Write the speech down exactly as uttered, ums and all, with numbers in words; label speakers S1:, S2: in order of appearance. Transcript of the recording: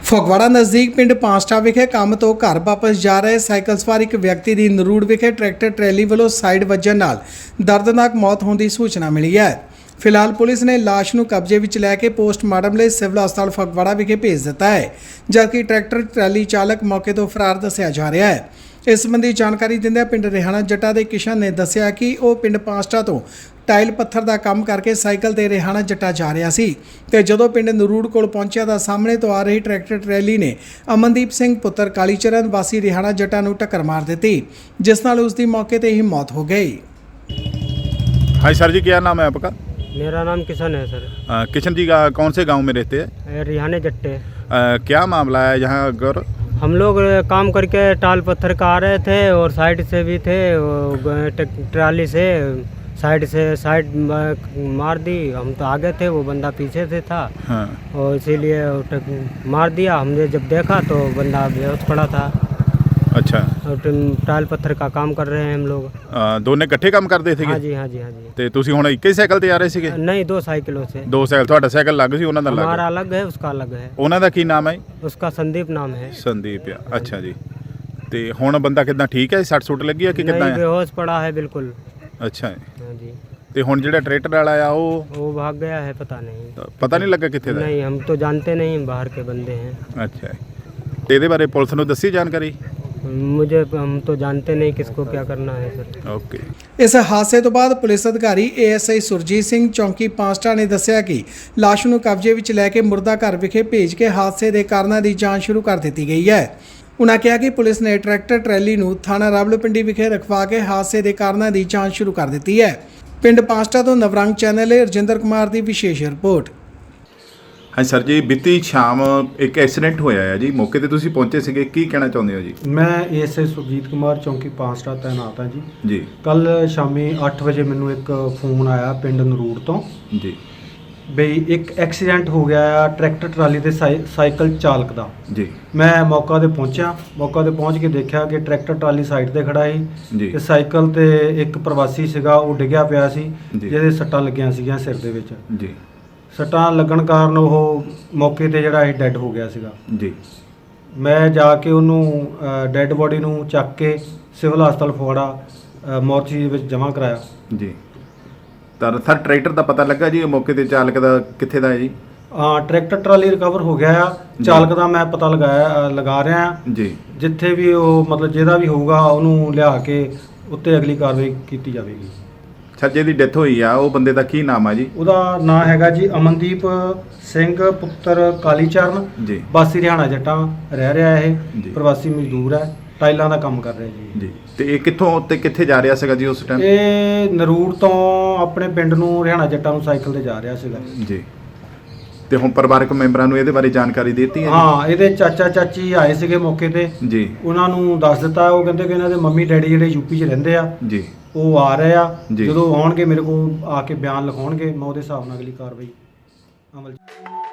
S1: ਫਗਵਾੜਾ ਨਜ਼ਦੀਕ ਪਿੰਡ ਪਾਂਸਟਾ ਵਿਖੇ ਕੰਮ ਤੋਂ ਘਰ ਵਾਪਸ ਜਾ ਰਹੇ ਸਾਈਕਲ ਸਵਾਰ ਇੱਕ ਵਿਅਕਤੀ ਦੀ ਨਰੂੜ ਵਿਖੇ ਟਰੈਕਟਰ ਟਰੈਲੀ ਵੱਲੋਂ ਸਾਈਡ ਵੱਜਣ ਨਾਲ ਦਰਦਨਾਕ ਮੌਤ ਹੋਣ ਦੀ ਸੂਚਨਾ ਮਿਲੀ ਹੈ। ਫਿਲਹਾਲ ਪੁਲਿਸ ਨੇ ਲਾਸ਼ ਨੂੰ ਕਬਜ਼ੇ ਵਿੱਚ ਲੈ ਕੇ ਪੋਸਟਮਾਰਟਮ ਲਈ ਸਿਵਲ ਹਸਪਤਾਲ ਫਗਵਾੜਾ ਵਿਖੇ ਭੇਜ ਦਿੱਤਾ ਹੈ, ਜਦਕਿ ਟਰੈਕਟਰ ਟਰੈਲੀ ਚਾਲਕ ਮੌਕੇ ਤੋਂ ਫਰਾਰ ਦੱਸਿਆ ਜਾ ਰਿਹਾ ਹੈ। ਇਸ ਸੰਬੰਧੀ ਜਾਣਕਾਰੀ ਦਿੰਦਿਆਂ ਪਿੰਡ ਰਿਹਾਣਾ ਜੱਟਾ ਦੇ ਕਿਸ਼ਨ ਨੇ ਦੱਸਿਆ ਕਿ ਉਹ ਪਿੰਡ ਪਾਂਸਟਾ ਤੋਂ ਟਾਇਲ ਪੱਥਰ ਦਾ ਕੰਮ ਕਰਕੇ ਸਾਈਕਲ ਤੇ ਰਿਹਾਣਾ ਜੱਟਾ ਜਾ ਰਿਹਾ ਸੀ ਤੇ ਜਦੋਂ ਪਿੰਡ ਨਰੂੜ ਕੋਲ ਪਹੁੰਚਿਆ ਤਾਂ ਸਾਹਮਣੇ ਤੋਂ ਆ ਰਹੀ ਟਰੈਕਟਰ ਟਰੈਲੀ ਨੇ ਅਮਨਦੀਪ ਸਿੰਘ ਪੁੱਤਰ ਕਾਲੀਚਰਨ ਵਾਸੀ ਰਿਹਾਣਾ ਜੱਟਾ ਨੂੰ ਟੱਕਰ ਮਾਰ ਦਿੱਤੀ, जिस नाल उसकी मौके पर ही मौत हो गई।
S2: हाँ सर जी, क्या नाम है आपका?
S3: मेरा नाम किशन है सर।
S2: आ, किशन जी का कौन से गांव में रहते हैं?
S3: रिहाने जट्टे।
S2: आ, क्या मामला है यहाँ गौर?
S3: हम लोग काम करके टाल पत्थर का आ रहे थे और साइड से भी थे, ट्राली से साइड से साइड मार दी। हम तो आगे थे, वो बंदा पीछे से था।
S2: हाँ।
S3: और इसीलिए मार दिया। हमने जब देखा तो बंदा बेहोश पड़ा था।
S2: अच्छा।
S3: और टाल पत्थर का काम कर रहे हैं हम लोग।
S2: दोनों इकट्ठे काम करते थे?
S3: हाँ जी हाँ जी हाँ जी।
S2: ਤੇ ਤੁਸੀਂ ਹੁਣ ਇੱਕ ਹੀ ਸਾਈਕਲ ਤੇ ਆ ਰਹੇ ਸੀਗੇ?
S3: नहीं, दो साइकिलों से।
S2: ਦੋ ਸਾਈਕਲ, ਤੁਹਾਡਾ ਸਾਈਕਲ ਲੱਗ ਸੀ, ਉਹਨਾਂ ਦਾ ਲੱਗ?
S3: हमारा अलग है, उसका अलग है।
S2: ਉਹਨਾਂ ਦਾ ਕੀ ਨਾਮ ਹੈ?
S3: उसका संदीप नाम है।
S2: ਸੰਦੀਪ ਆ। ਅੱਛਾ ਜੀ। ਤੇ ਹੁਣ ਬੰਦਾ ਕਿਦਾਂ ਠੀਕ ਹੈ? ਸੱਟ ਸੁੱਟ ਲੱਗੀ ਹੈ ਕਿ ਕਿਦਾਂ ਹੈ?
S3: बेहोश पड़ा है बिल्कुल।
S2: ਅੱਛਾ।
S3: हाँ जी।
S2: ਤੇ ਹੁਣ ਜਿਹੜਾ ਟਰੈਕਟਰ ਵਾਲਾ ਆ ਉਹ
S3: वो भाग गया है, पता नहीं।
S2: ਪਤਾ ਨਹੀਂ ਲੱਗਾ ਕਿੱਥੇ ਦਾ?
S3: नहीं, हम तो जानते नहीं, बाहर के बंदे हैं।
S2: ਅੱਛਾ। ਤੇ ਇਹਦੇ ਬਾਰੇ ਪੁਲਿਸ ਨੂੰ ਦੱਸੀ ਜਾਣਕਾਰੀ?
S3: मुझे हम तो जानते नहीं किसको क्या करना है सर।
S2: ਓਕੇ।
S1: ਇਸ ਹਾਦਸੇ ਤੋਂ ਬਾਅਦ ਪੁਲਿਸ ਅਧਿਕਾਰੀ ਏਐਸਆਈ ਸੁਰਜੀਤ ਸਿੰਘ ਚੌਂਕੀ ਪਾਂਸਟਾ ਨੇ ਦੱਸਿਆ ਕਿ ਲਾਸ਼ ਨੂੰ ਕਬਜ਼ੇ ਵਿੱਚ ਲੈ ਕੇ ਮੁਰਦਾ ਘਰ ਵਿਖੇ ਭੇਜ ਕੇ ਹਾਦਸੇ ਦੇ ਕਾਰਨਾਂ ਦੀ ਜਾਂਚ ਸ਼ੁਰੂ ਕਰ ਦਿੱਤੀ ਗਈ ਹੈ। ਉਨ੍ਹਾਂ ਕਿਹਾ ਕਿ ਪੁਲਿਸ ਨੇ ਟਰੈਕਟਰ ਟਰੈਲੀ ਨੂੰ ਥਾਣਾ ਰਾਵਲਪਿੰਡੀ ਵਿਖੇ ਰਖਵਾ ਕੇ ਹਾਦਸੇ ਦੇ ਕਾਰਨਾਂ ਦੀ ਜਾਂਚ ਸ਼ੁਰੂ ਕਰ ਦਿੱਤੀ ਹੈ। ਪਿੰਡ ਪਾਂਸਟਾ ਤੋਂ ਨਵਰੰਗ ਚੈਨਲ ਲਈ ਰਜਿੰਦਰ ਕੁਮਾਰ ਦੀ ਵਿਸ਼ੇਸ਼ ਰਿਪੋर्ट।
S2: ਹਾਂ ਸਰ ਜੀ, ਬੀਤੀ ਸ਼ਾਮ ਇੱਕ ਐਕਸੀਡੈਂਟ ਹੋਇਆ ਹੈ ਜੀ, ਮੌਕੇ ਤੇ ਤੁਸੀਂ ਪਹੁੰਚੇ ਸੀਗੇ, ਕੀ ਕਹਿਣਾ ਚਾਹੁੰਦੇ ਹੋ ਜੀ?
S4: ਮੈਂ ਏਐਸਆਈ ਸੁਰਜੀਤ ਕੁਮਾਰ ਚੌਂਕੀ ਪਾਂਸਟਾ ਤੈਨਾਤ ਹਾਂ ਜੀ।
S2: ਜੀ।
S4: ਕੱਲ ਸ਼ਾਮੀ ਅੱਠ ਵਜੇ ਮੈਨੂੰ ਇੱਕ ਫੋਨ ਆਇਆ ਪਿੰਡ ਨਰੂੜ ਤੋਂ
S2: ਜੀ
S4: ਬਈ ਇੱਕ ਐਕਸੀਡੈਂਟ ਹੋ ਗਿਆ ਆ ਟਰੈਕਟਰ ਟਰਾਲੀ ਦੇ ਸਾਈਕਲ ਚਾਲਕ ਦਾ।
S2: ਜੀ।
S4: ਮੈਂ ਮੌਕਾ ਤੇ ਪਹੁੰਚਿਆ, ਮੌਕਾ ਤੇ ਪਹੁੰਚ ਕੇ ਦੇਖਿਆ ਕਿ ਟਰੈਕਟਰ ਟਰਾਲੀ ਸਾਈਡ ਤੇ ਖੜਾ ਸੀ
S2: ਜੀ।
S4: ਤੇ ਸਾਈਕਲ ਤੇ ਇੱਕ ਪ੍ਰਵਾਸੀ ਸੀਗਾ, ਉਹ ਡਿੱਗਿਆ ਪਿਆ ਸੀ,
S2: ਜੀ।
S4: ਜਿਹਦੇ ਸੱਟਾਂ ਲੱਗੀਆਂ ਸੀਗੀਆਂ ਸਿਰ ਦੇ ਵਿੱਚ।
S2: ਜੀ।
S4: ਸੱਟਾਂ ਲੱਗਣ ਕਾਰਨ ਉਹ ਮੌਕੇ ਤੇ ਜਿਹੜਾ ਇਹ ਡੈੱਡ ਹੋ ਗਿਆ ਸੀਗਾ।
S2: ਜੀ।
S4: ਮੈਂ ਜਾ ਕੇ ਉਹਨੂੰ ਡੈੱਡ ਬੋਡੀ ਨੂੰ ਚੱਕ ਕੇ ਸਿਵਲ ਹਸਪਤਾਲ ਫਗਵਾੜਾ ਮੋਰਚੀ ਦੇ ਵਿੱਚ ਜਮ੍ਹਾਂ ਕਰਾਇਆ।
S2: ਜੀ। ਤਾਂ ਸਰ ਟਰੈਕਟਰ ਦਾ ਪਤਾ ਲੱਗਾ ਜੀ ਮੌਕੇ ਤੇ ਚਾਲਕ ਦਾ ਕਿੱਥੇ ਦਾ ਹੈ ਜੀ?
S4: ਹਾਂ, ਟਰੈਕਟਰ ਟਰਾਲੀ ਰਿਕਵਰ ਹੋ ਗਿਆ ਆ। ਚਾਲਕ ਦਾ ਮੈਂ ਪਤਾ ਲਗਾਇਆ ਲਗਾ ਰਿਹਾ ਆ
S2: ਜੀ।
S4: ਜਿੱਥੇ ਵੀ ਉਹ ਮਤਲਬ ਜਿਹਦਾ ਵੀ ਹੋਊਗਾ ਉਹਨੂੰ ਲਿਆ ਕੇ ਉੱਤੇ ਅਗਲੀ ਕਾਰਵਾਈ ਕੀਤੀ ਜਾਵੇਗੀ।
S2: ਸੱਜੇ ਦੀ ਡੈਥ ਹੋਈ ਆ, ਉਹ ਬੰਦੇ ਦਾ ਕੀ ਨਾਮ ਆ ਜੀ?
S4: ਉਹਦਾ ਨਾਂ ਹੈਗਾ ਜੀ ਅਮਨਦੀਪ ਸਿੰਘ ਪੁੱਤਰ ਕਾਲੀਚਰਨ
S2: ਜੀ।
S4: ਵਾਸੀ ਰਿਹਾਣਾ ਜੱਟਾਂ ਰਹਿ ਰਿਹਾ। ਇਹ
S2: ਜੀ।
S4: ਪ੍ਰਵਾਸੀ ਮਜ਼ਦੂਰ ਹੈ, ਟਾਈਲਾਂ ਦਾ ਕੰਮ ਕਰ ਰਿਹਾ ਜੀ।
S2: ਜੀ। ਤੇ ਇਹ ਕਿੱਥੋਂ ਤੇ ਕਿੱਥੇ ਜਾ ਰਿਹਾ ਸੀਗਾ ਜੀ ਉਸ ਟਾਈਮ?
S4: ਇਹ ਨਰੂੜ ਤੋਂ ਆਪਣੇ ਪਿੰਡ ਨੂੰ ਰਿਹਾਣਾ ਜੱਟਾਂ ਨੂੰ ਸਾਈਕਲ ਤੇ ਜਾ ਰਿਹਾ ਸੀਗਾ
S2: ਜੀ। ਤੇ ਹੁਣ ਪਰਿਵਾਰਕ ਮੈਂਬਰਾਂ ਨੂੰ ਇਹਦੇ ਬਾਰੇ ਜਾਣਕਾਰੀ ਦੇ ਦਿੱਤੀ ਹੈ?
S4: ਹਾਂ, ਇਹਦੇ ਚਾਚਾ ਚਾਚੀ ਆਏ ਸੀਗੇ ਮੌਕੇ ਤੇ।
S2: ਜੀ।
S4: ਉਹਨਾਂ ਨੂੰ ਦੱਸ ਦਿੱਤਾ। ਉਹ ਕਹਿੰਦੇ ਕਿ ਇਹਨਾਂ ਦੇ ਮੰਮੀ ਡੈਡੀ ਜਿਹੜੇ ਯੂਪੀ 'ਚ ਰਹਿੰਦੇ ਆ,
S2: ਜੀ,
S4: ਉਹ ਆ ਰਹੇ ਆ।
S2: ਜੀ।
S4: ਜਦੋਂ ਆਉਣਗੇ ਮੇਰੇ ਕੋਲ ਆ ਕੇ ਬਿਆਨ ਲਿਖਾਉਣਗੇ, ਮੈਂ ਉਹਦੇ ਹਿਸਾਬ ਨਾਲ ਅਗਲੀ ਕਾਰਵਾਈ ਅਮਲ 'ਚ